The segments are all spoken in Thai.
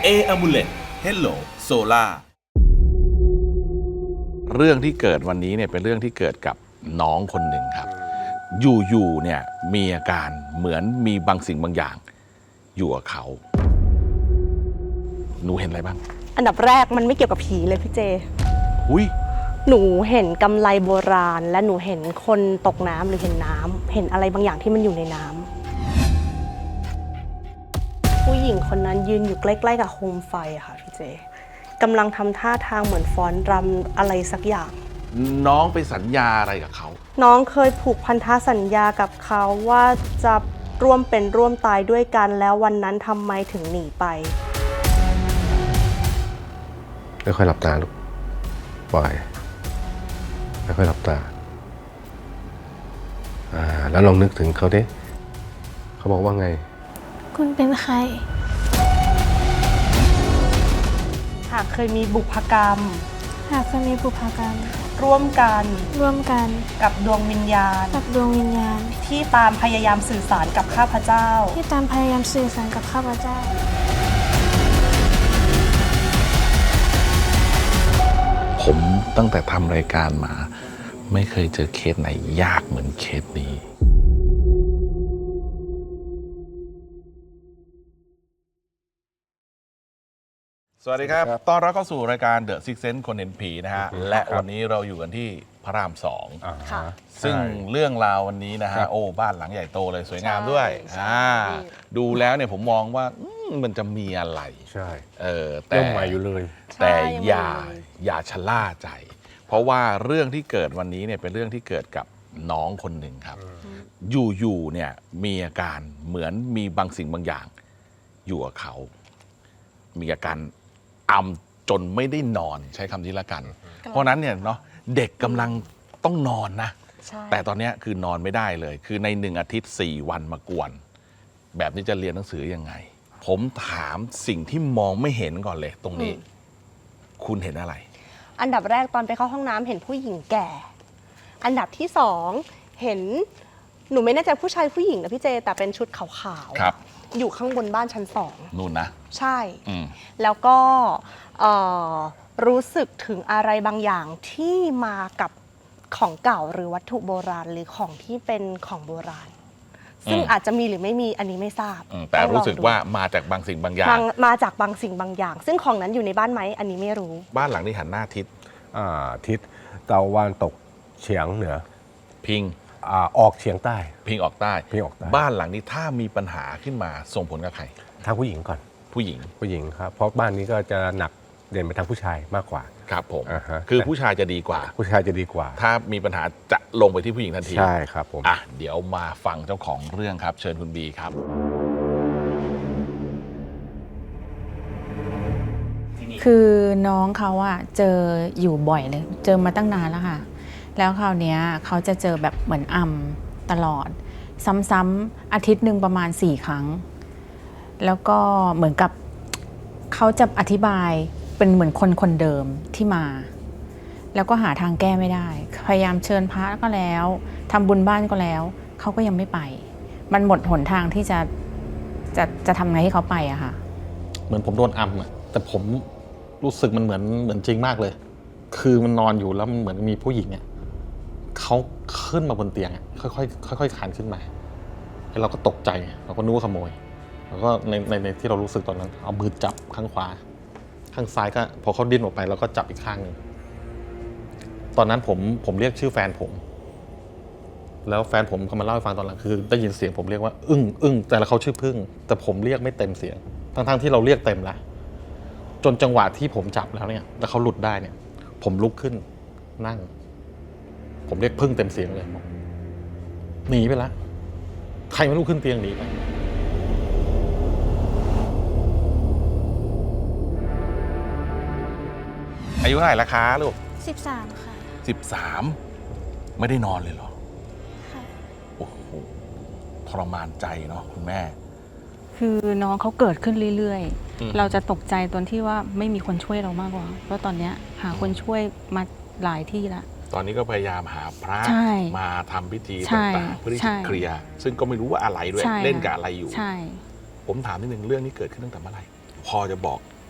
Amulet Hello Solar เรื่องที่เกิดวันนี้เนี่ยเป็นเรื่องที่เกิดกับน้องคนหนึ่งครับอยู่ๆเนี่ยมีอาการเหมือนมีบางสิ่งบางอย่างอยู่กับเขาหนูเห็นอะไรบ้างอันดับแรกมันไม่เกี่ยวกับผีเลยพี่เจอุ้ยหนูเห็นกำไลโบราณและหนูเห็นคนตกน้ำหรือเห็นน้ำเห็นอะไรบางอย่างที่มันอยู่ในน้ำผู้หญิงคนนั้นยืนอยู่ใกล้ๆกับโคมไฟอะค่ะพี่เจกำลังทำท่าทางเหมือนฟ้อนรำอะไรสักอย่างน้องไปสัญญาอะไรกับเขาน้องเคยผูกพันธสัญญากับเขาว่าจะร่วมเป็นร่วมตายด้วยกันแล้ววันนั้นทำไมถึงหนีไปค่อยๆหลับตาลูกปล่อยค่อยๆหลับตาแล้วลองนึกถึงเขาดิเขาบอกว่าไงคุณเป็นใครหากเคยมีบุพกรรมหากเคยมีบุพกรรมร่วมกัน กับดวงวิญญาณที่ตามพยายามสื่อสารกับข้าพเจ้าผมตั้งแต่ทำรายการมาไม่เคยเจอเคสไหนยากเหมือนเคสนี้สวัสดีครับต้อนรับเข้าสู่รายการ The Six Sense คนเห็นผีนะฮะและวันนี้เราอยู่กันที่พระราม2ซึ่งเรื่องราววันนี้นะฮะโอ้บ้านหลังใหญ่โตเลยสวยงามด้วยดูแล้วเนี่ยผมมองว่ามันจะมีอะไรใช่แต่ใหม่อยู่เลยแต่อย่าชะล่าใจเพราะว่าเรื่องที่เกิดวันนี้เนี่ยเป็นเรื่องที่เกิดกับน้องคนหนึ่งครับอยู่เนี่ยมีอาการเหมือนมีบางสิ่งบางอย่างอยู่กับเขามีอาการจนไม่ได้นอนใช้คำนี้ละกันเพราะนั้นเนี่ยเนาะเด็กกำลังต้องนอนนะแต่ตอนนี้คือนอนไม่ได้เลยคือใน1 อาทิตย์4 วันมากวนแบบนี้จะเรียนหนังสือยังไงผมถามสิ่งที่มองไม่เห็นก่อนเลยตรงนี้คุณเห็นอะไรอันดับแรกตอนไปเข้าห้องน้ำเห็นผู้หญิงแก่อันดับที่2เห็นหนูไม่แน่ใจผู้ชายผู้หญิงนะพี่เจแต่เป็นชุดขาวๆอยู่ข้างบนบ้านชั้น2 นู่นนะใช่แล้วก็รู้สึกถึงอะไรบางอย่างที่มากับของเก่าหรือวัตถุโบราณหรือของที่เป็นของโบราณซึ่งอาจจะมีหรือไม่มีอันนี้ไม่ทราบแต่รู้สึกว่ามาจากบางสิ่งบางอย่างมาจากบางสิ่งบางอย่างซึ่งของนั้นอยู่ในบ้านไหมอันนี้ไม่รู้บ้านหลังนี้หันหน้าทิศตะวันตกเฉียงเหนือพิงออกเฉียงใต้พิงออกใต้บ้านหลังนี้ถ้ามีปัญหาขึ้นมาส่งผลกับใครทางผู้หญิงก่อนผู้หญิงครับเพราะบ้านนี้ก็จะหนักเด่นไปทางผู้ชายมากกว่าครับผมคือผู้ชายจะดีกว่าถ้ามีปัญหาจะลงไปที่ผู้หญิงทันทีใช่ครับผมเดี๋ยวมาฟังเจ้าของเรื่องครับเชิญคุณบีครับคือน้องเขาเจออยู่บ่อยเลยเจอมาตั้งนานแล้วค่ะแล้วคราวนี้เขาจะเจอแบบเหมือนตลอดซ้ำๆอาทิตย์หนึ่งประมาณ4 ครั้งแล้วก็เหมือนกับเขาจะอธิบายเป็นเหมือนคนเดิมที่มาแล้วก็หาทางแก้ไม่ได้พยายามเชิญพระก็แล้วทำบุญบ้านก็แล้วเขาก็ยังไม่ไปมันหมดหนทางที่จะทำไงให้เขาไปอะค่ะเหมือนผมโดนแต่ผมรู้สึกมันเหมือนจริงมากเลยคือมันนอนอยู่แล้วมันเหมือนมีผู้หญิงเขาขึ้นมาบนเตียงค่อยๆคลานขึ้นมาแล้วเราก็ตกใจเราก็นึกว่าขโมยแล้วก็ในที่เรารู้สึกตอนนั้นเอามือจับข้างขวาข้างซ้ายก็พอเขาดิ้นออกไปแล้วก็จับอีกข้างหนึ่งตอนนั้นผมเรียกชื่อแฟนผมแล้วแฟนผมเขามาเล่าให้ฟังตอนหลังคือได้ยินเสียงผมเรียกว่าอึ้งแต่ละเขาชื่อพึ่งแต่ผมเรียกไม่เต็มเสียงทั้งที่เราเรียกเต็มแล้วจนจังหวะที่ผมจับแล้วเนี่ยแล้วเขาหลุดได้เนี่ยผมลุกขึ้นนั่งผมเรียกพึ่งเต็มเสียงเลยหนีไปแล้วใครไม่ลุกขึ้นเตียงหนีไปอายุเท่าไหร่ละคะลูก 13ค่ะ 13ไม่ได้นอนเลยเหรอค่ะโอ้โหทรมานใจเนาะคุณแม่คือน้องเขาเกิดขึ้นเรื่อยๆเราจะตกใจตอนที่ว่าไม่มีคนช่วยเรามากกว่าเพราะตอนนี้หาคนช่วยมาหลายที่แล้วตอนนี้ก็พยายามหาพระมาทำพิธีต่างๆเพื่อที่จะเคลียร์ซึ่งก็ไม่รู้ว่าอะไรด้วยเล่นกับอะไรอยู่ผมถามนิดนึงเรื่องนี้เกิดขึ้นตั้งแต่เมื่อไหร่พอจะบอก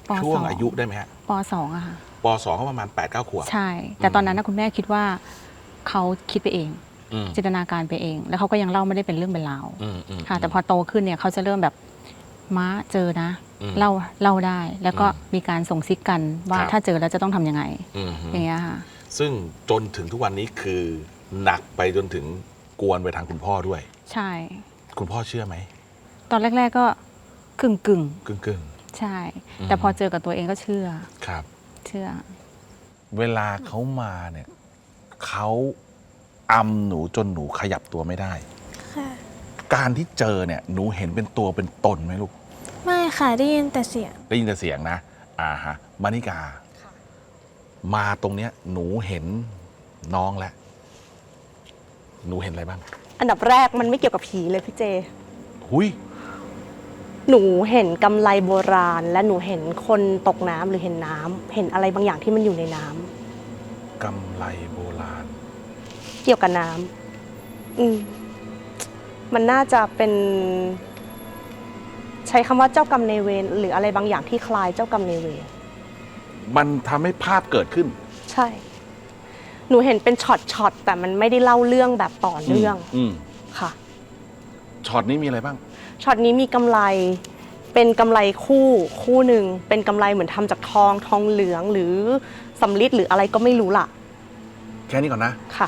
ปช่วง 2 อายุได้ไหมฮะป 2อะค่ะป .2 ก็ประมาณ 8-9 ขวบใช่ แต่ตอนนั้นนะคุณแม่คิดว่าเขาคิดไปเองอืมจินตนาการไปเอง แล้วเขาก็ยังเล่าไม่ได้เป็นเรื่องเป็นราวอืมอืมค่ะ แต่พอโตขึ้นเนี่ยเขาจะเริ่มแบบม้าเจอนะอืมเล่าได้ แล้วก็อืมมีการส่งซิกกันว่าครับถ้าเจอแล้วจะต้องทำยังไงอืมอย่างเงี้ยค่ะซึ่งจนถึงทุกวันนี้คือหนักไปจนถึงกวนไปทางคุณพ่อด้วยใช่คุณพ่อเชื่อไหมตอนแรก ๆก็กึ่งกึ่งใช่อืมแต่พอเจอกับตัวเองก็เชื่อครับเชื่อเวลาเขามาเนี่ยเขาอำหนูจนหนูขยับตัวไม่ได้ค่ะการที่เจอเนี่ยหนูเห็นเป็นตัวเป็นตนไหมลูกไม่ค่ะได้ยินแต่เสียงได้ยินแต่เสียงนะฮะมานิกา มาตรงเนี้ยหนูเห็นน้องแล้วหนูเห็นอะไรบ้างอันดับแรกมันไม่เกี่ยวกับผีเลยพี่เจหุยหนูเห็นกำไลโบราณ และหนูเห็นคนตกน้ำหรือเห็นน้ำเห็นอะไรบางอย่างที่มันอยู่ในน้ำกำไลโบราณเกี่ยวกับน้ำมันน่าจะเป็น ใช้คำว่าเจ้ากรรมนายเวรหรืออะไรบางอย่างที่คล้ายเจ้ากรรมนายเวรมันทำให้ภาพเกิดขึ้นใช่ หนูเห็นเป็นช็อตๆแต่มันไม่ได้เล่าเรื่องแบบต่อเนื่องอืมค่ะช็อตนี้มีอะไรบ้างช็อตนี้มีกำไล เป็นกำไลคู่หนึ่ง เป็นกำไลเหมือนทำจากทองเหลืองหรือสำริดหรืออะไรก็ไม่รู้ล่ะแค่นี้ก่อนนะค่ะ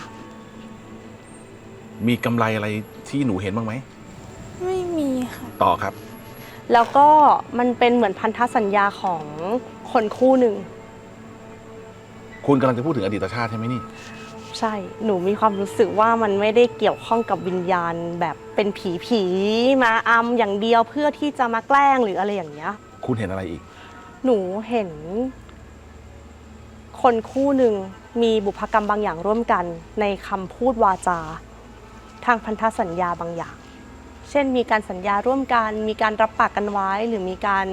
มีกำไรอะไรที่หนูเห็นบ้างไหมไม่มีค่ะต่อครับแล้วก็มันเป็นเหมือนพันธสัญญาของคนคู่หนึ่งคุณกำลังจะพูดถึงอดีตชาติใช่ไหมนี่ใช่ หนูมีความรู้สึกว่ามันไม่ได้เกี่ยวข้องกับวิญญาณแบบเป็นผีมาอำอย่างเดียวเพื่อที่จะมาแกล้งหรืออะไรอย่างเงี้ยคุณเห็นอะไรอีกหนูเห็น คนคู่หนึ่งมีบุพกรรมบางอย่างร่วมกันในคำพูดวาจา ทางพันธสัญญาบางอย่าง เช่นมีการสัญญาร่วมกัน มีการรับปากกันไว้ หรือมีการ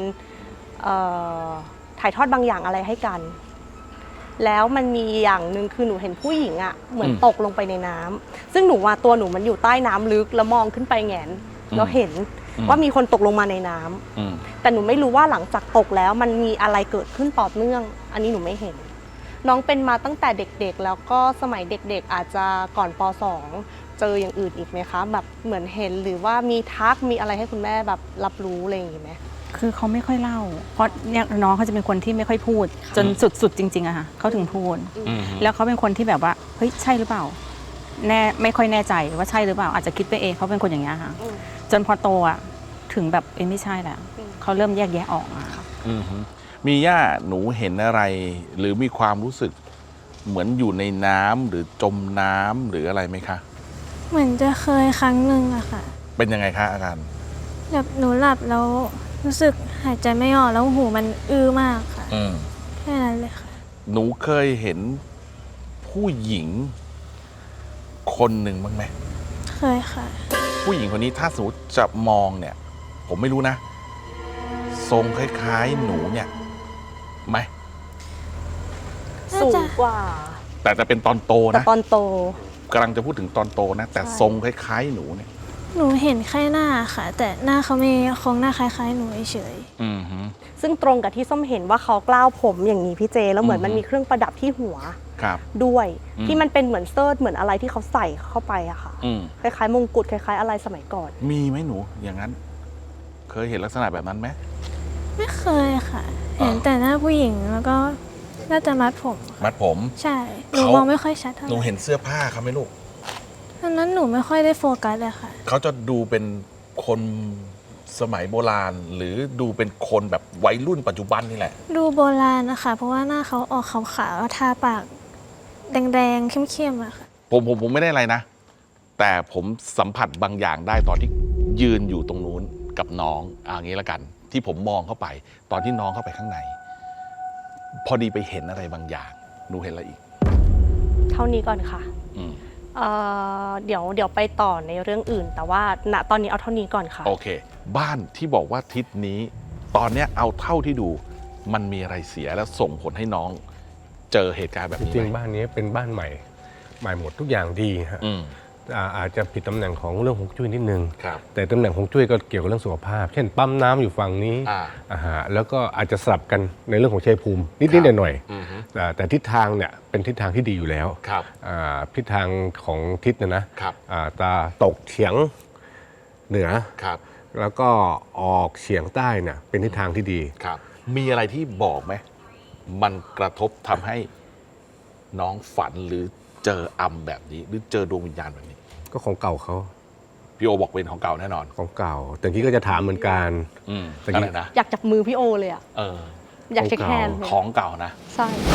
ถ่ายทอดบางอย่างอะไรให้กัน แล้วมันมีอย่างหนึ่งคือหนูเห็นผู้หญิงอะเหมือนอืมตกลงไปในน้ำซึ่งหนูว่าตัวหนูมันอยู่ใต้น้ำลึกแล้วมองขึ้นไปแหงนแล้วเห็นว่ามีคนตกลงมาในน้ำอืมแต่หนูไม่รู้ว่าหลังจากตกแล้วมันมีอะไรเกิดขึ้นต่อเนื่อง อันนี้หนูไม่เห็น น้องเป็นมาตั้งแต่เด็กๆ แล้วก็สมัยเด็กๆ อาจจะก่อนป .2 เจออย่างอื่นอีกไหมคะ แบบเหมือนเห็นหรือว่ามีทักมีอะไรให้คุณแม่แบบรับรู้อะไรอย่างงี้ไหมคือเขาไม่ค่อยเล่า เพราะเนี่ยน้องเขาจะเป็นคนที่ไม่ค่อยพูด จนสุดๆจริงๆอะค่ะเขาถึงพูดอืมแล้วเขาเป็นคนที่แบบว่าเฮ้ยใช่หรือเปล่าไม่ค่อยแน่ใจว่าใช่หรือเปล่า อาจจะคิดไปเองเขาเป็นคนอย่างเงี้ยค่ะอืมจนพอโตอะถึงแบบไม่ใช่แล้วอืมเขาเริ่มแยกแยะออกอะอืมมีย่าหนูเห็นอะไร หรือมีความรู้สึกเหมือนอยู่ในน้ำหรือจมน้ำหรืออะไรไหมคะเหมือนจะเคยครั้งหนึ่งอะค่ะเป็นยังไงคะอาการแบบหนูหลับแล้วรู้สึกหายใจไม่ออกแล้วหูมันอื้อมากค่ะอืมแค่นั้นเลยค่ะหนูเคยเห็นผู้หญิงคนหนึ่งบ้างไหมเคยค่ะผู้หญิงคนนี้ถ้าสมมติจะมองเนี่ย ผมไม่รู้นะ ทรงคล้ายๆหนูเนี่ยไหมน่าสูจะงกว่าแต่จะเป็นตอนโตแต่นะตอนโตกำลังจะพูดถึงตอนโตนะ แต่ใช่ทรงคล้ายๆหนูเนี่ยหนูเห็นแค่หน้าค่ะ แต่หน้าเขามีโครงหน้าคล้ายๆหนูเฉยอืมฮึซึ่งตรงกับที่ส้มเห็นว่าเขากล้าวผมอย่างนี้พี่เจ แล้วเหมือนอือฮึมันมีเครื่องประดับที่หัวครับด้วยอืมที่มันเป็นเหมือนเซิร์ชเหมือนอะไรที่เขาใส่เข้าไปอะค่ะอืมคล้ายๆมงกุฎคล้ายๆอะไรสมัยก่อนมีไหมหนู อย่างนั้น เคยเห็นลักษณะแบบนั้นไหมๆ ไม่เคยค่ะ เห็นแต่หน้าผู้หญิงแล้วก็น่าจะมัดผมมัดผมใช่ หนูเขามองไม่ค่อยชัดเท่าหไหนูร่เห็นเสื้อผ้าเขาไหมลูกตอนนั้นหนูไม่ค่อยได้โฟกัสเลยค่ะเขาจะดูเป็นคนสมัยโบราณ หรือดูเป็นคนแบบวัยรุ่นปัจจุบันนี่แหละดูโบราณนะคะ เพราะว่าหน้าเขาออกขาวๆทาปากแดงๆเข้มๆอะค่ะผมไม่ได้อะไรนะ แต่ผมสัมผัสบางอย่างได้ตอนที่ยืนอยู่ตรงนู้นกับน้องอย่างนี้ละกัน ที่ผมมองเข้าไป ตอนที่น้องเข้าไปข้างใน พอดีไปเห็นอะไรบางอย่าง หนูเห็นอะไรอีกเท่านี้ก่อนค่ะอืมเดี๋ยวไปต่อในเรื่องอื่น แต่ว่าณตอนนี้เอาเท่านี้ก่อนค่ะโอเค บ้านที่บอกว่าทิศนี้ ตอนเนี้ยเอาเท่าที่ดู มันมีอะไรเสียแล้วส่งผลให้น้อง เจอเหตุการณ์แบบจนี้ริงไหๆมบ้านนี้เป็นบ้านใหม่ ใหม่หมดทุกอย่างดีฮะอืมอาจจะผิดตำแหน่งของเรื่องฮวงจุ้ยนิดนึงครับแต่ตำแหน่งฮวงจุ้ยก็เกี่ยวกับเรื่องสุขภาพ เช่นปั๊มน้ำอยู่ฝั่งนี้ ฮะแล้วก็อาจจะสลับกันในเรื่องของชัยภูมินิดๆหน่อยอือฮึๆแต่ทิศทางเนี่ยเป็นทิศทางที่ดีอยู่แล้วครับทิศทางของทิศนะครับ ตาตกเฉียงเหนือครับแล้วก็ออกเฉียงใต้เนี่ยเป็นทิศทางที่ดีครับ มีอะไรที่บอกไหมมันกระทบทำให้น้องฝันหรือเจออำแบบนี้ หรือเจอดวงวิญญาณแบบนี้ก็ของเก่าเขาพี่โอบอกเป็นของเก่าแน่นอนของเก่า แต่กี้ก็จะถามเหมือนกัน แต่อะไรนะอยากจับมือพี่โอเลยอะเอออยากเช็คแฮนด์เลยของเก่านะใช่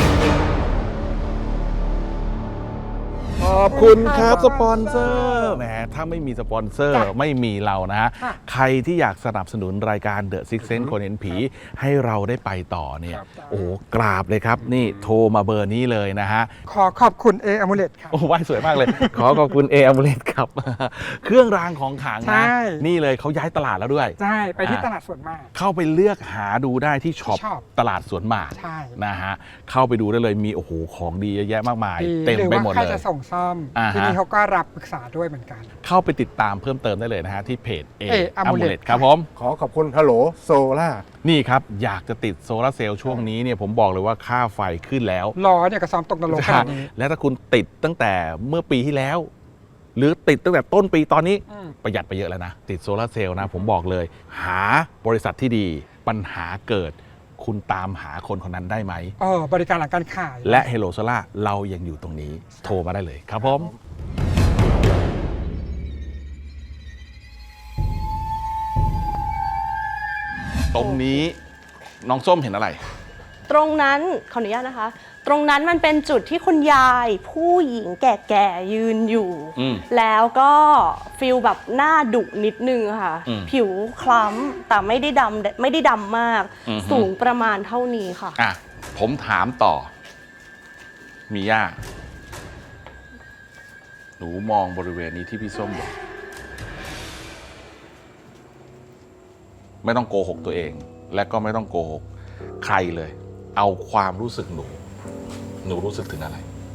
ขอบคุณครับสปอนเซอร์แหมถ้าไม่มีสปอนเซอร์ไม่มีเรานะฮะใครที่อยากสนับสนุนรายการ The Six Sense คนเห็นผีให้เราได้ไปต่อเนี่ยโอ้โหกราบเลยครับ นี่โทรมาเบอร์นี้เลยนะฮะขอขอบคุณเออมูเลตครับโอ้ไหว้สวยมากเลย ขอขอบคุณเออ m มเลตครับ เครื่องรางของขลังใช่นะนี่เลยเขาย้ายตลาดแล้วด้วยใช่ ไปที่ตลาดสวนมากเข้าไปเลือกหาดูได้ที่ช็อปช็อปตลาดสวนหมากใช่นะฮะเข้าไปดูได้เลยมีโอ้โหของดีเยอะแยะมากมาย เต็มหรือไปว่าหมดใครเลยจะส่งซ่อมอ่าฮะที่นี่เขาก็รับปรึกษาด้วยเหมือนกันเข้าไปติดตามเพิ่มเติมได้เลยนะฮะ ที่เพจเอ Amulet อ m มเลตครับผมขอขอบคุณฮัลโหลโซล่านี่ครับ อยากจะติดโซลาร์เซลล์ช่วงนี้เนี่ยผมบอกเลยว่าค่าไฟขึ้นแล้วล้อเนี่ยก็ซ้อมตกนรกขนาดนี้และถ้าคุณติดตั้งแต่เมื่อปีที่แล้ว หรือติดตั้งแต่ต้นปีตอนนี้อืมประหยัดไปเยอะแล้วนะ ติดโซลาร์เซลล์นะ ผมบอกเลย หาบริษัทที่ดี ปัญหาเกิด คุณตามหาคนคนนั้นได้ไหมบริการหลังการขายและ Hello Solar เรายังอยู่ตรงนี้ โทรมาได้เลยครับผม ตรงนี้น้องส้มเห็นอะไรตรงนั้นขออนุญาตนะคะ ตรงนั้นมันเป็นจุดที่คุณยายผู้หญิงแก่ๆยืนอยู่อืมแล้วก็ฟิลแบบหน้าดุนิดนึงค่ะอืมผิวคล้ำแต่ไม่ได้ดำมากอือฮึสูงประมาณเท่านี้ค่ะอ่ะ ผมถามต่อ มีย่า หนูมองบริเวณนี้ที่พี่ส้มบอก ไม่ต้องโกหกตัวเอง และก็ไม่ต้องโกหกใครเลย เอาความรู้สึกหนู หนูรู้สึกถึงอะไร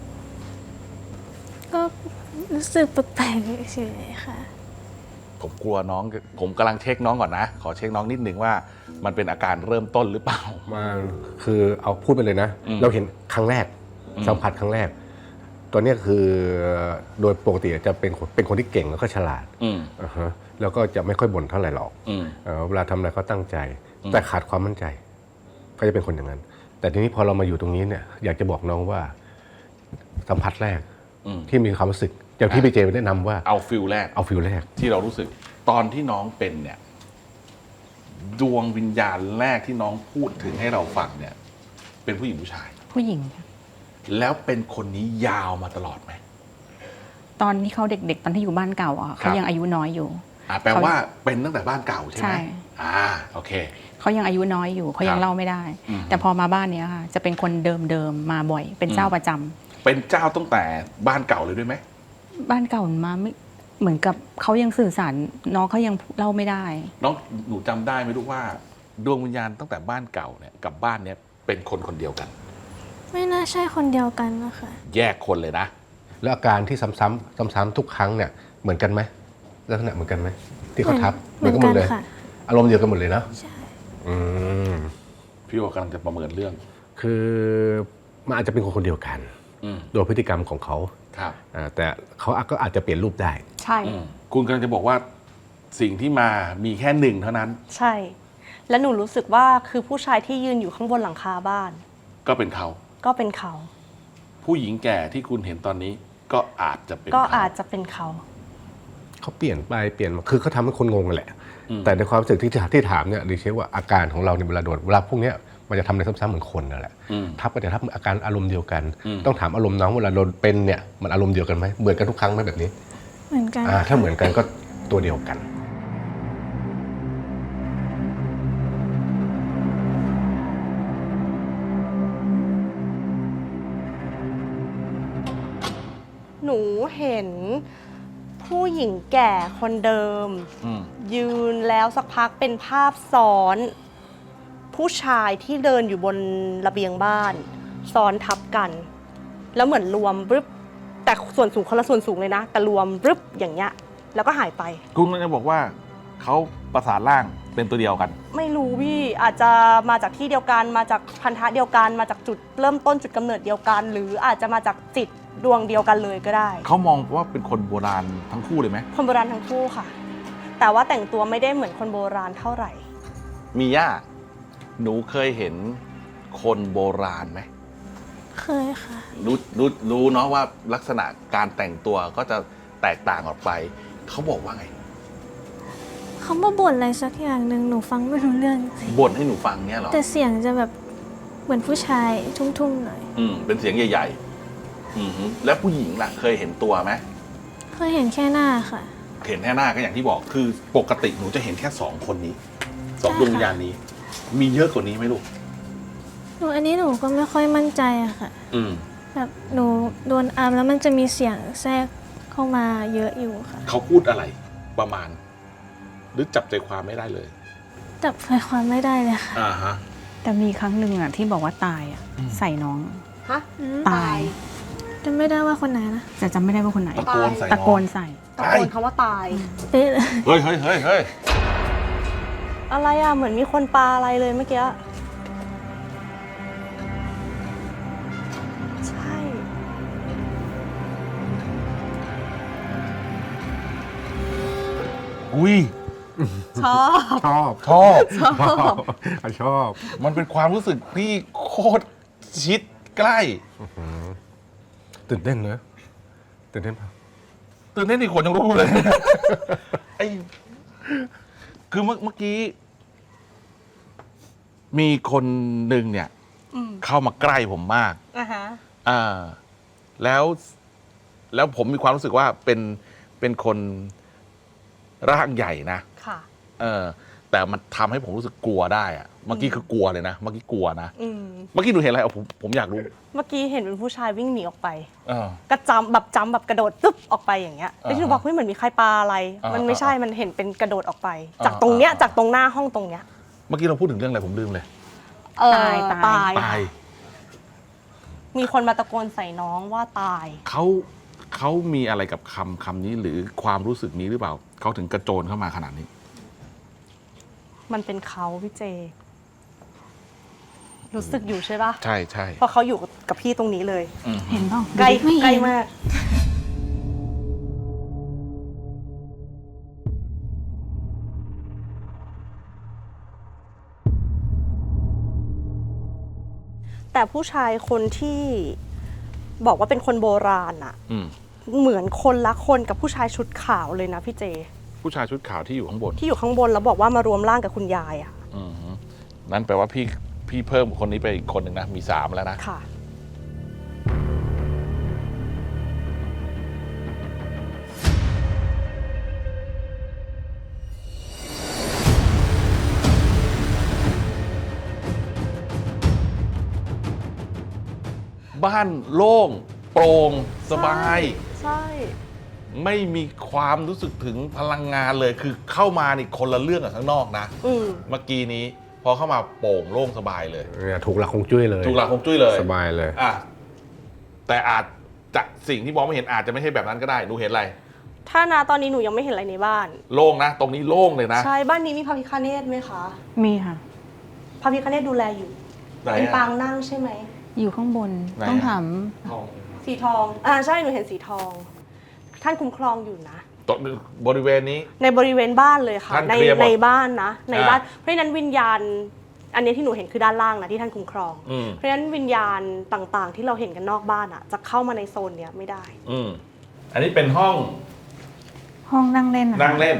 ก็รู้สึกแปลกๆเฉยๆค่ะผมกลัวน้อง ผมกำลังเช็คน้องก่อนนะ ขอเช็คน้องนิดนึงว่ามันเป็นอาการเริ่มต้นหรือเปล่ามันคือเอาพูดไปเลยนะอืมเราเห็นครั้งแรกอืมสัมผัสครั้งแรก ตัวเนี้ยคือโดยปกติจะเป็นคนที่เก่งแล้วก็ฉลาดอืมอ่าฮะแล้วก็จะไม่ค่อยบ่นเท่าไหร่หรอกอืมเวลาทำอะไรก็ตั้งใจอืมแต่ขาดความมั่นใจ ก็จะเป็นคนอย่างนั้น แต่ทีนี้พอเรามาอยู่ตรงนี้เนี่ยอยากจะบอกน้องว่าสัมผัสแรกอืมที่มีความรู้สึกอย่างที่พี่เจแนะนำว่าเอาฟิลแรกเอาฟิลแรกที่เรารู้สึก ตอนที่น้องเป็นเนี่ย ดวงวิญญาณแรกที่น้องพูดถึงให้เราฟังเนี่ย เป็นผู้หญิงผู้ชายผู้หญิงค่ะแล้วเป็นคนนี้ยาวมาตลอดไหมตอนที่เขาเด็กๆ ตอนที่อยู่บ้านเก่าอะเขายังอายุน้อยอยู่แปลว่าเป็นตั้งแต่บ้านเก่าใช่ไหมใช่โอเคเขายังอายุน้อยอยู่เขาครับยังเล่าไม่ได้อืมแต่พอมาบ้านเนี้ยค่ะ จะเป็นคนเดิมๆมาบ่อย เป็นเจ้าประจำเป็นเจ้าตั้งแต่บ้านเก่าเลยด้วยไหมบ้านเก่ามาไม่เหมือนกับเขายังสื่อสารน้องเขายังเล่าไม่ได้น้องหนูจำได้ไหมลูกว่า ดวงวิญญาณตั้งแต่บ้านเก่าเนี่ยกับบ้านเนี้ยเป็นคนคนเดียวกันไม่น่าใช่คนเดียวกันนะคะแยกคนเลยนะแล้วอาการที่ซ้ำๆทุกครั้งเนี่ยเหมือนกันไหมลักษณะเหมือนกันไหมที่เขาทับเหมือนหมดกันเลยค่ะอารมณ์เดียวกันหมดเลยนะใช่อืมพี่ว่ากำลังจะประเมินเรื่องคือมันอาจจะเป็นคนคนเดียวกันอืมโดยพฤติกรรมของเขาครับแต่เขาก็อาจจะเปลี่ยนรูปได้ใช่คุณกำลังจะบอกว่าสิ่งที่มามีแค่หนึ่งเท่านั้นใช่ และหนูรู้สึกว่าคือผู้ชายที่ยืนอยู่ข้างบนหลังคาบ้านก็เป็นเขาก็เป็นเขาผู้หญิงแก่ที่คุณเห็นตอนนี้ก็อาจจะเป็นก็เขาอาจจะเป็นเขาเขาเปลี่ยนไปเปลี่ยนมาคือเขาทำให้คนงงกันแหละอืมแต่ในความรู้สึกที่ถามเนี่ยดิเชว่าอาการของเราในยเวลาโดนเวลาพวกเนี้ยมันจะทำอะไรซ้ำๆเหมือนคนนั่นแหละอืมทับก็จะทับอาการอารมณ์เดียวกันอืมต้องถามอารมณ์น้องเวลาโดนเป็นเนี่ยมันอารมณ์เดียวกันไหมเหมือนกันทุกครั้งไหมแบบนี้เหมือนกันถ้าเหมือนกันก็ตัวเดียวกันหนูเห็นผู้หญิงแก่คนเดิมอืมยืนแล้วสักพักเป็นภาพซ้อน ผู้ชายที่เดินอยู่บนระเบียงบ้าน ซ้อนทับกัน แล้วเหมือนรวมปึ๊บแต่แต่ส่วนสูงคนละส่วนสูงเลยนะ แต่รวมรึบอย่างเงี้ยแล้วก็หายไปคุณจะบอกว่าเขาประสานร่างเป็นตัวเดียวกันไม่รู้พี่อาจจะมาจากที่เดียวกันมาจากพันธะเดียวกันมาจากจุดเริ่มต้นจุดกำเนิดเดียวกัน หรืออาจจะมาจากจิตดวงเดียวกันเลยก็ได้เขามองว่าเป็นคนโบราณทั้งคู่เลยไหมคนโบราณทั้งคู่ค่ะ แต่ว่าแต่งตัวไม่ได้เหมือนคนโบราณเท่าไหร่มีย่าหนูเคยเห็นคนโบราณไหมเคยค่ะรู้เนาะว่าลักษณะการแต่งตัวก็จะแตกต่างออกไป เขาบอกว่าไงเขามาบ่นอะไรสักอย่างหนึ่งหนูฟังไม่รู้เรื่องจริงบ่นให้หนูฟังเนี่ยเหรอแต่เสียงจะแบบเหมือนผู้ชายทุ่งๆหน่อยเป็นเสียงใหญ่ๆแล้วผู้หญิงล่ะเคยเห็นตัวไหมเคยเห็นแค่หน้าค่ะเห็นแค่หน้าก็อย่างที่บอกคือปกติหนูจะเห็นแค่สองคนนี้สองดวงวิญญาณนี้ มีเยอะกว่านี้ไหมลูกอันนี้หนูก็ไม่ค่อยมั่นใจอะค่ะ แบบหนูโดนอัมแล้วมันจะมีเสียงแทรกเข้ามาเยอะอยู่ค่ะเขาพูดอะไรประมาณ หรือจับใจความไม่ได้เลยจับใจความไม่ได้เลยค่ะฮะแต่มีครั้งหนึ่งอ่ะที่บอกว่าตายอ่ะใส่น้องฮะตายจำไม่ได้ว่าคนไหนนะแต่จำไม่ได้ว่าคนไหนตะโกนใส่ตะโกนใส่ตะโกนคำว่าตายเป๊ะเลยเฮ้ยอะไรอ่ะเหมือนมีคนปาอะไรเลยเมื่อกี้ใช่อุ้ยชอบชอบชอบชอบมันเป็นความรู้สึกที่โคตรชิดใกล้ตื่นเต้นเนอะตื่นเต้นปะตื่นเต้นอีกคนยังรู้เลย ไอ้คือเมื่อกี้ มีคนหนึ่งเนี่ย เข้ามาใกล้ผมมากอ่าฮะแล้วผมมีความรู้สึกว่าเป็นคนร่างใหญ่นะค่ะแต่มันทำให้ผมรู้สึกกลัวได้อะเมื่อกี้คือกลัวเลยนะเมื่อกี้กลัวนะอืมเมื่อกี้หนูเห็นอะไรผมอยากรู้เมื่อกี้เห็นเป็นผู้ชายวิ่งหนีออกไปเออก็จำแบบกระโดดตึ๊บออกไปอย่างเงี้ยแล้วที่หนูบอกเฮ้ยเหมือนมีใครปาอะไร มันไม่ใช่มันเห็นเป็นกระโดดออกไป จากตรงเนี้ยจากตรงหน้าห้องตรงเนี้ยเมื่อกี้เราพูดถึงเรื่องอะไรผมลืมเลยตายตายตายมีคนมาตะโกนใส่น้องว่าตายเขามีอะไรกับคำนี้หรือความรู้สึกนี้หรือเปล่าเขาถึงกระโจนเข้ามาขนาดนี้มันเป็นเขาพี่เจ รู้สึกอยู่ใช่ปะใช่ใช่เพราะเขาอยู่กับพี่ตรงนี้เลยเห็นเปล่าใกล้ไม่ใกล้เห็นมาก แต่ผู้ชายคนที่บอกว่าเป็นคนโบราณอะอืมเหมือนคนละคนกับผู้ชายชุดขาวเลยนะพี่เจผู้ชายชุดขาวที่อยู่ข้างบนที่อยู่ข้างบนแล้วบอกว่ามารวมร่างกับคุณยายอะอืมนั่นแปลว่าพี่เพิ่มคนนี้ไปอีกคนหนึ่งนะ มี3แล้วนะค่ะบ้านโล่งโปร่งสบายใช่ไม่มีความรู้สึกถึงพลังงานเลยคือเข้ามานี่คนละเรื่องกับข้างนอกนะอืมเมื่อกี้นี้พอเข้ามาโปร่งโล่งสบายเลยเนี่ยถูกหลักคงจุ้ยเลยถูกหลักฮวงจุ้ยเลยสบายเลยอ่ะแต่อาจจะสิ่งที่มองไม่เห็นอาจจะไม่ใช่แบบนั้นก็ได้หนูเห็นอะไรถ้านะตอนนี้หนูยังไม่เห็นอะไรในบ้านโล่งนะ ตรงนี้โล่งเลยนะใช่ บ้านนี้มีพระพิฆเนศไหมคะมีค่ะพระพิฆเนศดูแลอยู่ไหนเป็นอะปางนั่งใช่ไหมอยู่ข้างบนไหนอะต้องถามสีทอง ใช่หนูเห็นสีทอง ท่านคุ้มครองอยู่นะตรงบริเวณนี้ในบริเวณบ้านเลยค่ะท่านในเคลียร์หมดในบ้านนะ ในบ้านอ่าเพราะฉะนั้นวิญญาณ อันนี้ที่หนูเห็นคือด้านล่างนะที่ท่านคุ้มครองอืมเพราะฉะนั้นวิญญาณต่างๆ ที่เราเห็นกันนอกบ้านอ่ะ จะเข้ามาในโซนเนี้ยไม่ได้อันนี้เป็นห้องห้องนั่งเล่นนะคะนั่งเล่น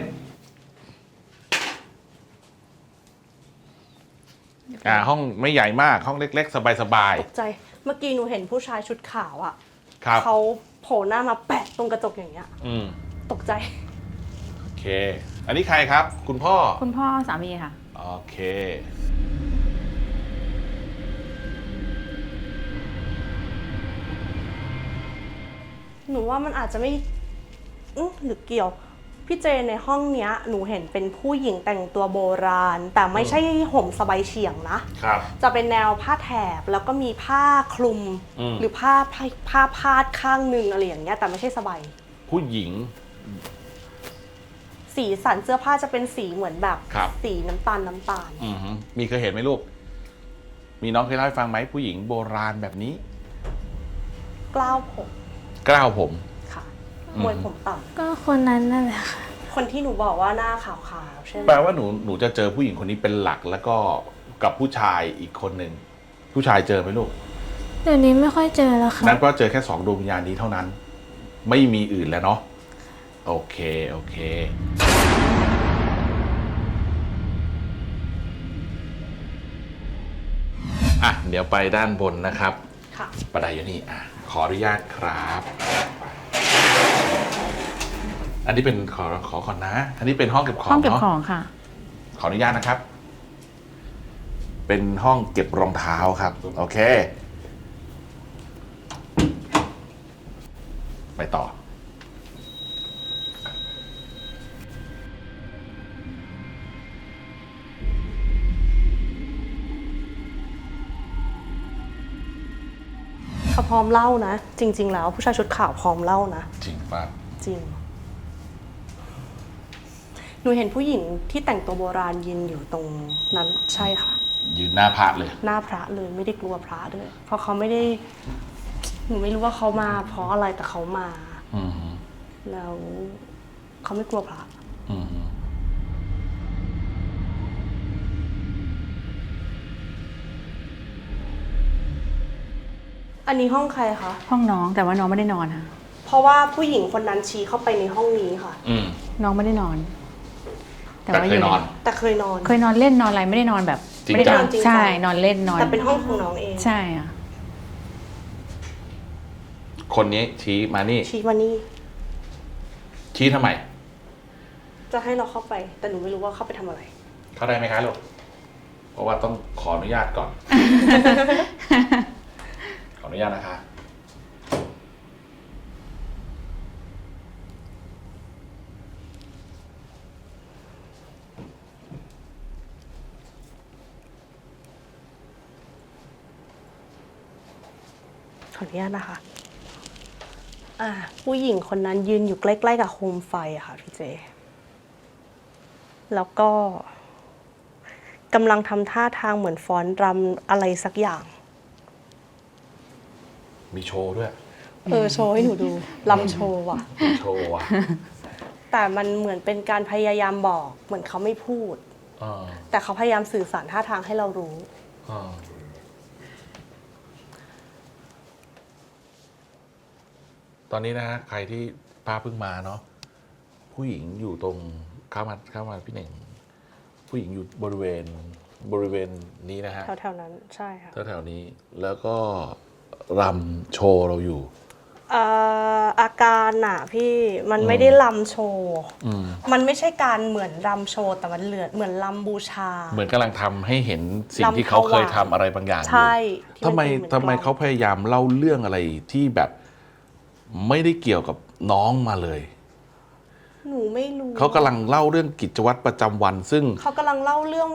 ห้องไม่ใหญ่มาก ห้องเล็กๆ สบายตกใจ เมื่อกี้หนูเห็นผู้ชายชุดขาวอ่ะๆ ครับเขาโผล่หน้ามาแปะตรงกระจกอย่างเงี้ยอืมตกใจโอเค อันนี้ใครครับ คุณพ่อคุณพ่อสามีค่ะโอเคหนูว่ามันอาจจะไม่หรือเกี่ยว พพี่เจในห้องเนี้ยหนูเห็นเป็นผู้หญิงแต่งตัวโบราณ แต่ไม่ใช่ห่มสบายเฉียงนะครับจะเป็นแนวผ้าแถบแล้วก็มีผ้าคลุม หรือผ้าพาดข้างหนึงอะไรอย่างเงี้ยแต่ไม่ใช่สบายผู้หญิงสีสันเสื้อผ้าจะเป็นสีเหมือนแบบครับสีน้ำตาลอือหือมีเคยเห็นไหมลูก มีน้องเคยเล่าให้ฟังไหมผู้หญิงโบราณแบบนี้กล้าวผมกล้าวผมค่ะอืมมวยผมต่ก็คนนั้นนั่นแหละค่ะำคนที่หนูบอกว่าหน้าขาวๆใช่ไหมแปลว่าหนูจะเจอผู้หญิงคนนี้เป็นหลักแล้วก็กับผู้ชายอีกคนหนึ่งผู้ชายเจอไหมลูกเดี๋ยวนี้ไม่ค่อยเจอแล้วค่ะนั้นก็เจอแค่2 ดวงวิญญาณนี้เท่านั้น ไม่มีอื่นแล้วเนาะโอเคโอเคอ่ะเดี๋ยวไปด้านบนนะครับค่ะบันไดอยู่นี่อ่ะขออนุญาตครับ อันนี้เป็นขอก่อนนะ อันนี้เป็นห้องเก็บของห้องเก็บเนาะของค่ะขออนุญาตนะครับ เป็นห้องเก็บรองเท้าครับ โอเค ไปต่อเขาพร้อมเล่านะ จริง ๆ แล้วผู้ชายชุดขาวพร้อมเล่านะจริงป่ะจริง หนูเห็นผู้หญิงที่แต่งตัวโบราณยืนอยู่ตรงนั้นใช่ค่ะยืนหน้าพระเลยหน้าพระเลยไม่ได้กลัวพระด้วย เพราะเขาไม่ได้ หนูไม่รู้ว่าเขามา เพราะอะไรแต่เขามาอืมแล้วเขาไม่กลัวพระอืมอันนี้ห้องใครคะห้องน้องแต่ว่าน้องไม่ได้นอนค่ะเพราะว่าผู้หญิงคนนั้นชี้เข้าไปในห้องนี้ค่ะอืมน้องไม่ได้นอนแต่เคยนอนแต่เคยนอนเคยนอนเล่นนอนอะไรไม่ได้นอนแบบจริงไม่ได้นอนจังใช่นอนเล่นนอนแต่เป็นห้องของน้องเองใช่อ่ะคนนี้ชี้มานี่ชี้มานี่ชี้ทำไมจะให้เราเข้าไป แต่หนูไม่รู้ว่าเข้าไปทำอะไรเข้าได้ไหมคะลูก เพราะว่าต้องขออนุญาตก่อน ขออนุญาตนะคะขออนุญาตนะคะ ผู้หญิงคนนั้นยืนอยู่ใกล้ๆกับโคมไฟอะค่ะพี่เจ แล้วก็กำลังทำท่าทางเหมือนฟ้อนรำอะไรสักอย่างมีโชว์ด้วยโชว์ให้หนูดูรำโชว์ว่ะมีโชว์อ่ะแต่มันเหมือนเป็นการพยายามบอก เหมือนเขาไม่พูดอ่าแต่เขาพยายามสื่อสารท่าทางให้เรารู้อ่าตอนนี้นะฮะใครที่ป้าเพิ่งมาเนาะผู้หญิงอยู่ตรงเข้ามาพี่เน่ง ผู้หญิงอยู่บริเวณนี้นะฮะแถวๆนั้นใช่ค่ะแถวๆนี้แล้วก็รำโชว์เราอยู่อาการน่ะพี่มันไม่ได้รำโชว์อืมมันไม่ใช่การเหมือนรำโชว์แต่มันเหมือนรำบูชาเหมือนกำลังทำให้เห็นสิ่งรำที่เขาเคยถวายทำอะไรบางอย่างอยู่ใช่ที่ทำไมนเป็นเหอนทำไมกลองเขาพยายามเล่าเรื่องอะไรที่แบบไม่ได้เกี่ยวกับน้องมาเลยหนูไม่รู้เขากำลังเล่าเรื่องกิจวัตรประจำวัน ซึ่งเขากำลังเล่าเรื่อง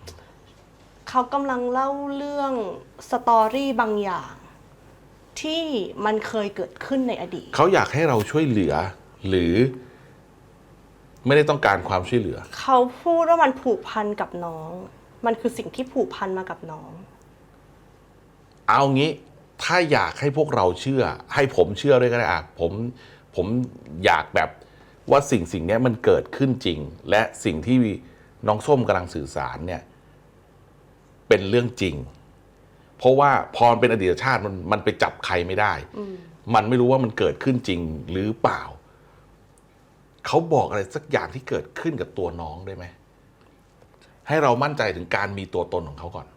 สตอรี่บางอย่าง ที่มันเคยเกิดขึ้นในอดีตเขาอยากให้เราช่วยเหลือ หรือ ไม่ได้ต้องการความช่วยเหลือเขาพูดว่ามันผูกพันกับน้อง มันคือสิ่งที่ผูกพันมากับน้องเอางี้ถ้าอยากให้พวกเราเชื่อ ให้ผมเชื่อด้วยก็ได้อ่ะผมอยากแบบว่าสิ่งนี้มันเกิดขึ้นจริง และสิ่งที่น้องส้มกำลังสื่อสารเนี่ย เป็นเรื่องจริง เพราะว่าพอมันเป็นอดีตชาติมันไปจับใครไม่ได้ มันไม่รู้ว่ามันเกิดขึ้นจริงหรือเปล่า เขาบอกอะไรสักอย่างที่เกิดขึ้นกับตัวน้องได้ไหมให้เรามั่นใจถึงการมีตัวตนของเขาก่อน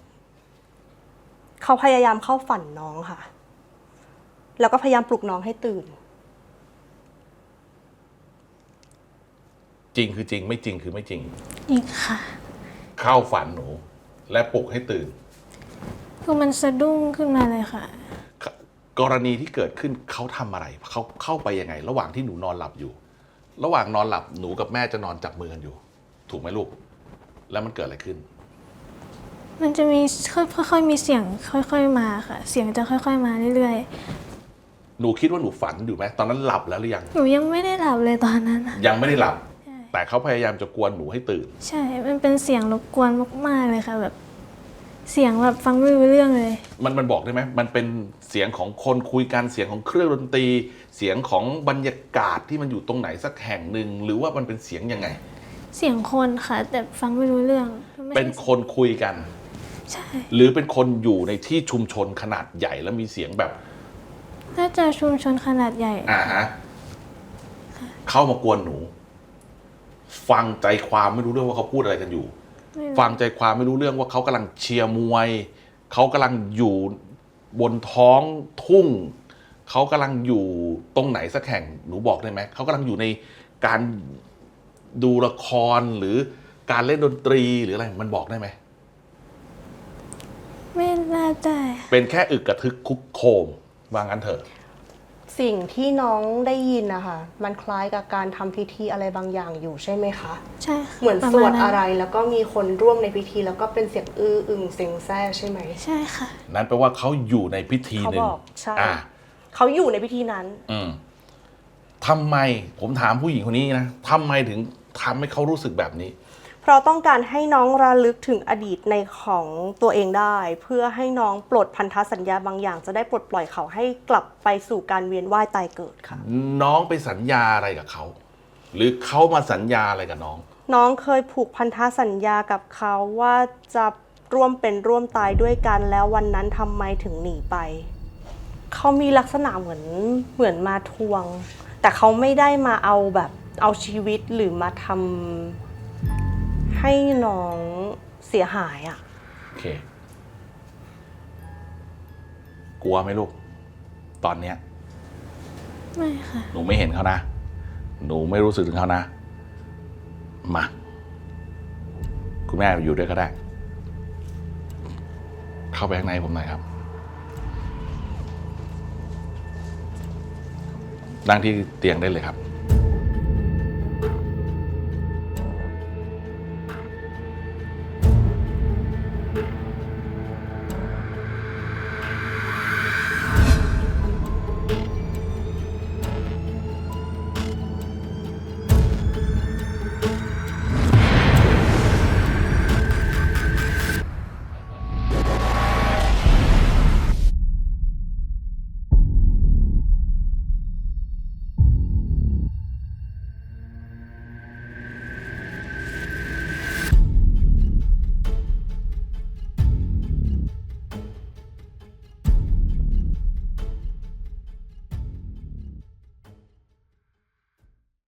เขาพยายามเข้าฝันน้องค่ะ แล้วก็พยายามปลุกน้องให้ตื่นจริงคือจริงไม่จริงคือไม่จริงอีกค่ะเข้าฝันหนู และปลุกให้ตื่นคือมันสะดุ้งขึ้นมาเลยค่ะกรณีที่เกิดขึ้นเขาทำอะไรเขาเข้าไปยังไง ระหว่างที่หนูนอนหลับอยู่ระหว่างนอนหลับหนูกับแม่จะนอนจับมือกันอยู่ ถูกไหมลูก แล้วมันเกิดอะไรขึ้นมันจะมีค่อยๆมีเสียงค่อยๆมาค่ะ เสียงจะค่อยๆมาเรื่อยหนูคิดว่าหนูฝันอยู่ไหมตอนนั้นหลับแล้วหรือยังๆ หนูยังไม่ได้หลับเลยตอนนั้นอะยังไม่ได้หลับ แต่เขาพยายามจะกวนหนูให้ตื่นใช่ มันเป็นเสียงรบกวนมากๆเลยค่ะ แบบเสียงแบบฟังไม่รู้เรื่องเลยมันบอกได้ไหมมันเป็นเสียงของคนคุยกันเสียงของเครื่องดนตรี เสียงของบรรยากาศที่มันอยู่ตรงไหนสักแห่งหนึ่งหรือว่ามันเป็นเสียงยังไงเสียงคนค่ะ แต่ฟังไม่รู้เรื่องไม่เป็นคนคุยกันใช่หรือเป็นคนอยู่ในที่ชุมชนขนาดใหญ่แล้วมีเสียงแบบน่าจะชุมชนขนาดใหญ่ฮะเข้ามากวนหนู ฟังใจความไม่รู้เรื่องว่าเขาพูดอะไรกันอยู่ไม่รู้ฟังใจความไม่รู้เรื่องว่าเขากำลังเชียร์มวย เขากำลังอยู่บนท้องทุ่ง เขากำลังอยู่ตรงไหนสักแห่งหนูบอกได้ไหมเขากำลังอยู่ในการดูละครหรือการเล่นดนตรีหรืออะไรมันบอกได้ไหมไม่น่าได้เป็นแค่อึกกระทึกคุกโคมว่างั้นเถอะสิ่งที่น้องได้ยินนะคะมันคล้ายกับการทำพิธีอะไรบางอย่างอยู่ใช่ไหมคะใช่ค่ะเหมือนประสวมาดณนั้นอะไรแล้วก็มีคนร่วมในพิธีแล้วก็เป็นเสียงอื้ออึงเสียงแซ่ใช่ไหมใช่ค่ะนั่นแปลว่าเขาอยู่ในพิธีเขาหนึ่งบอกใช่อ่าเขาอยู่ในพิธีนั้นทำไมผมถามผู้หญิงคนนี้นะทำไมถึงทำให้เขารู้สึกแบบนี้เพราะต้องการให้น้องระลึกถึงอดีตในของตัวเองได้ เพื่อให้น้องปลดพันธสัญญาบางอย่าง จะได้ปลดปล่อยเขาให้กลับไปสู่การเวียนว่ายตายเกิดค่ะน้องไปสัญญาอะไรกับเขา หรือเขามาสัญญาอะไรกับน้องน้องเคยผูกพันธสัญญากับเขาว่าจะร่วมเป็นร่วมตายด้วยกันแล้ววันนั้นทำไมถึงหนีไป เขามีลักษณะเหมือนมาทวง แต่เขาไม่ได้มาเอาแบบเอาชีวิตหรือมาทำให้น้องเสียหายอ่ะโอเค กลัวไหมลูก ตอนเนี้ยไม่ค่ะหนูไม่เห็นเขานะ หนูไม่รู้สึกถึงเขานะ มา คุณแม่อยู่ด้วยก็ได้ เข้าไปข้างในผมหน่อยครับ นั่งที่เตียงได้เลยครับ